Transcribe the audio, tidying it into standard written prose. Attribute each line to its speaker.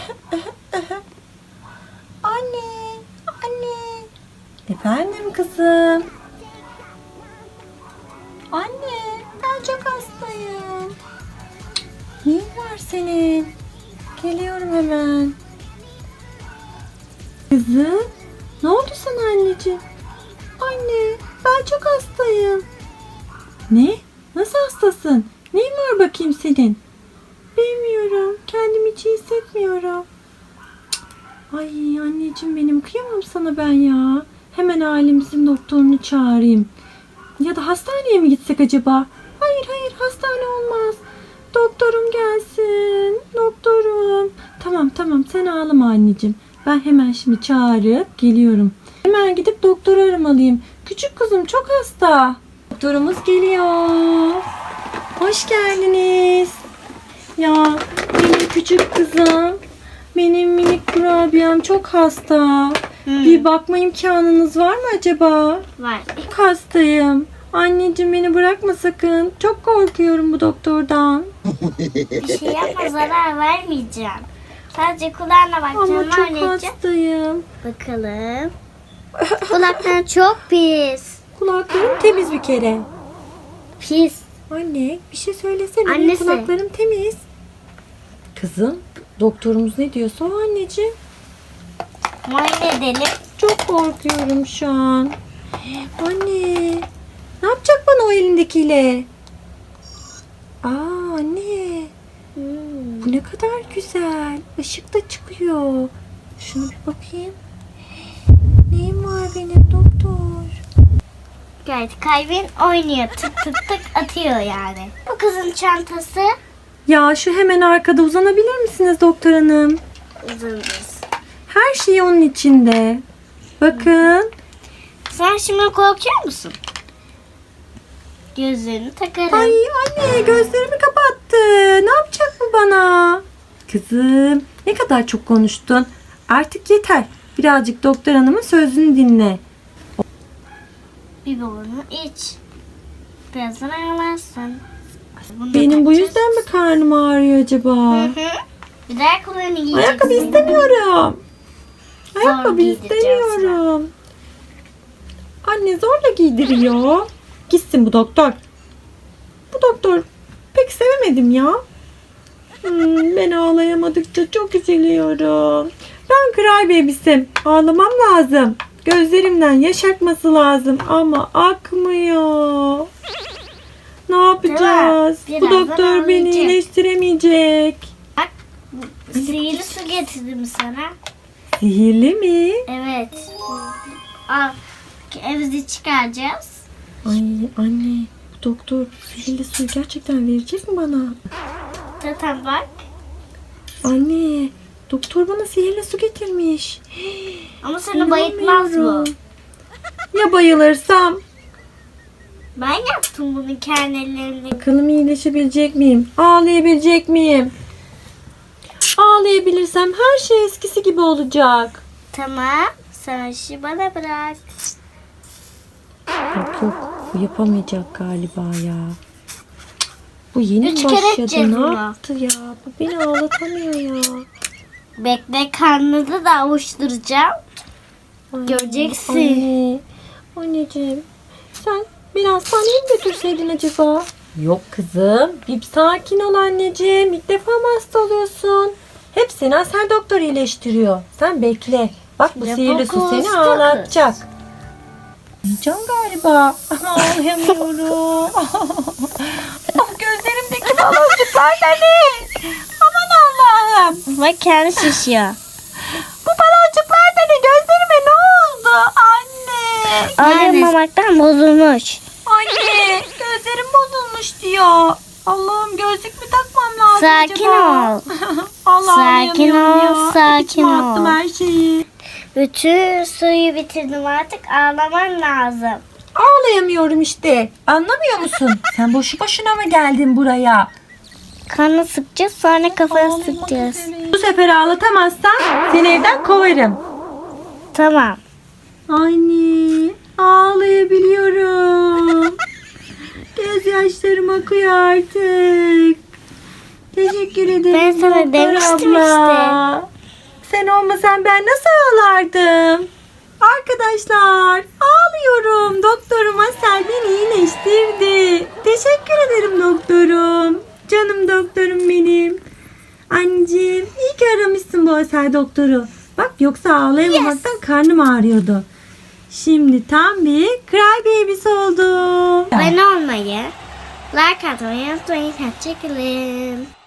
Speaker 1: Anne, anne. Efendim kızım. Anne, ben çok hastayım. Neyin var senin? Geliyorum hemen. Kızım, ne oldu sana anneciğim? Anne, ben çok hastayım. Ne? Nasıl hastasın? Neyin var bakayım senin? Bilmiyorum. Kendimi hiç iyi hissetmiyorum. Ay anneciğim benim, kıyamam sana ben ya. Hemen ailemizin doktorunu çağırayım. Ya da hastaneye mi gitsek acaba? Hayır hayır, hastane olmaz. Doktorum gelsin. Doktorum. Tamam tamam, sen ağlama anneciğim. Ben hemen şimdi çağırıp geliyorum. Hemen gidip doktoru aramalıyım. Küçük kızım çok hasta. Doktorumuz geliyor. Hoş geldiniz. Ya benim küçük kızım, benim minik kurabiyem çok hasta. Bir bakma imkanınız var mı acaba?
Speaker 2: Var.
Speaker 1: Çok hastayım. Anneciğim beni bırakma sakın. Çok korkuyorum bu doktordan.
Speaker 2: Bir şey yapma, zarar vermeyeceğim. Sadece kulağına
Speaker 1: Ama
Speaker 2: bakacağım
Speaker 1: çok
Speaker 2: anneciğim.
Speaker 1: hastayım.
Speaker 2: Bakalım. Kulakların çok pis.
Speaker 1: Kulaklarım temiz bir kere.
Speaker 2: Pis.
Speaker 1: Anne bir şey söylesene. Benim
Speaker 2: Annesi.
Speaker 1: kulaklarım temiz. Kızım doktorumuz ne diyorsa o anneciğim.
Speaker 2: Muayene edelim.
Speaker 1: Çok korkuyorum şu an. Anne ne yapacak bana o elindekiyle? Aa anne. Bu ne kadar güzel. Işık da çıkıyor. Şunu bir bakayım. Neyim var benim doktor?
Speaker 2: Gayet kalbin oynuyor. Tık tık tık atıyor yani. Bu kızın çantası
Speaker 1: Ya şu hemen arkada uzanabilir misiniz doktor hanım?
Speaker 2: uzunuz.
Speaker 1: Her şey onun içinde. Bakın.
Speaker 2: Sen şimdi korkuyor musun? Gözlerini takarım.
Speaker 1: Ay anne gözlerimi kapattı. Ne yapacak bu bana? Kızım ne kadar çok konuştun. Artık yeter. Birazcık doktor hanımın sözünü dinle.
Speaker 2: Biberonunu iç. Birazdan ağlarsın. Bunu da
Speaker 1: Benim bu
Speaker 2: takacağız.
Speaker 1: yüzden mi karnım ağrıyor acaba?
Speaker 2: Hı hı. Bir de ayakkabılarını giyeceksin.
Speaker 1: Ayakkabı istemiyorum. Ayakkabı
Speaker 2: giydireceğim
Speaker 1: istemiyorum. Anne zorla giydiriyor. Gitsin bu doktor. Bu doktor pek sevemedim ya. Ben ağlayamadıkça çok üzülüyorum. Ben kral bebisim. Ağlamam lazım. Gözlerimden yaş akması lazım ama akmıyor. Ne yapacağız?
Speaker 2: Değil mi?
Speaker 1: Bu
Speaker 2: Birazdan
Speaker 1: doktor beni
Speaker 2: ağlayacak.
Speaker 1: iyileştiremeyecek.
Speaker 2: Sihirli su getirdim sana.
Speaker 1: Sihirli mi?
Speaker 2: Evet. Al. Evimizi çıkaracağız.
Speaker 1: Ay anne, bu doktor sihirli suyu gerçekten verecek mi bana?
Speaker 2: Zaten bak.
Speaker 1: Anne, doktor bana sihirli su getirmiş.
Speaker 2: Ama seni bayıltmaz bu.
Speaker 1: İnanmıyorum. Ya bayılırsam?
Speaker 2: Ben yaptım bunu kendi ellerimle.
Speaker 1: Bakalım iyileşebilecek miyim? Ağlayabilecek miyim? Ağlayabilirsem her şey eskisi gibi olacak.
Speaker 2: Tamam. Sen işi bana bırak.
Speaker 1: Yok yok, bu yapamayacak galiba ya. Bu yeni
Speaker 2: 3 kere
Speaker 1: başladı.
Speaker 2: edeceğiz
Speaker 1: Ne
Speaker 2: bunu.
Speaker 1: yaptı ya? Bu beni ağlatamıyor ya.
Speaker 2: Bekle, karnını da avuşturacağım.
Speaker 1: Ay,
Speaker 2: Göreceksin.
Speaker 1: Anne, anneciğim sen beni hastaneye mi götürseydin acaba? Yok kızım. Bir sakin ol anneciğim. İlk defa mı hasta oluyorsun? Hep seni Asel doktor iyileştiriyor. Sen bekle. Bak bu
Speaker 2: Ya
Speaker 1: sihirli
Speaker 2: bak,
Speaker 1: su seni
Speaker 2: hasta
Speaker 1: ağlatacak. Yiyeceğim galiba. Ağlayamıyorum. Gözlerimdeki baloncuklar da ne? Aman Allah'ım.
Speaker 2: Bak kendi şişiyor.
Speaker 1: Bu baloncuklar da ne? Gözlerime ne oldu? Anne.
Speaker 2: Ağlamamaktan bozulmuş.
Speaker 1: Anne gözlerim bozulmuş diyor. Allah'ım gözlük mü takmam lazım
Speaker 2: Sakin
Speaker 1: acaba?
Speaker 2: ol.
Speaker 1: Allah'ım
Speaker 2: Sakin
Speaker 1: yanıyorum
Speaker 2: ol,
Speaker 1: ya.
Speaker 2: sakin
Speaker 1: İçime attım
Speaker 2: ol.
Speaker 1: her şeyi.
Speaker 2: Bütün suyu bitirdim, artık ağlaman lazım.
Speaker 1: Ağlayamıyorum işte. Anlamıyor musun? Sen boşu boşuna mı geldin buraya?
Speaker 2: Kanı sıkacağız, sonra kafanı
Speaker 1: Ağlamak
Speaker 2: sıkacağız.
Speaker 1: üzereyim. Bu sefer ağlatamazsan seni evden kovarım.
Speaker 2: Tamam.
Speaker 1: Anne ağlayabiliyorum. Gözyaşlarım akıyor artık. Teşekkür ederim
Speaker 2: Ben sana
Speaker 1: doktor
Speaker 2: demiştim
Speaker 1: abla. Sen olmasan ben nasıl ağlardım? Arkadaşlar ağlıyorum. Doktorum Asel beni iyileştirdi. Teşekkür ederim doktorum. Canım doktorum benim. Anneciğim iyi ki aramışsın bu Asel doktoru. Bak yoksa ağlayamamaktan karnım ağrıyordu. Şimdi tam bir cry baby'si oldum.
Speaker 2: Abone olmayı, like atmayı unutmayın. Hoşçakalın.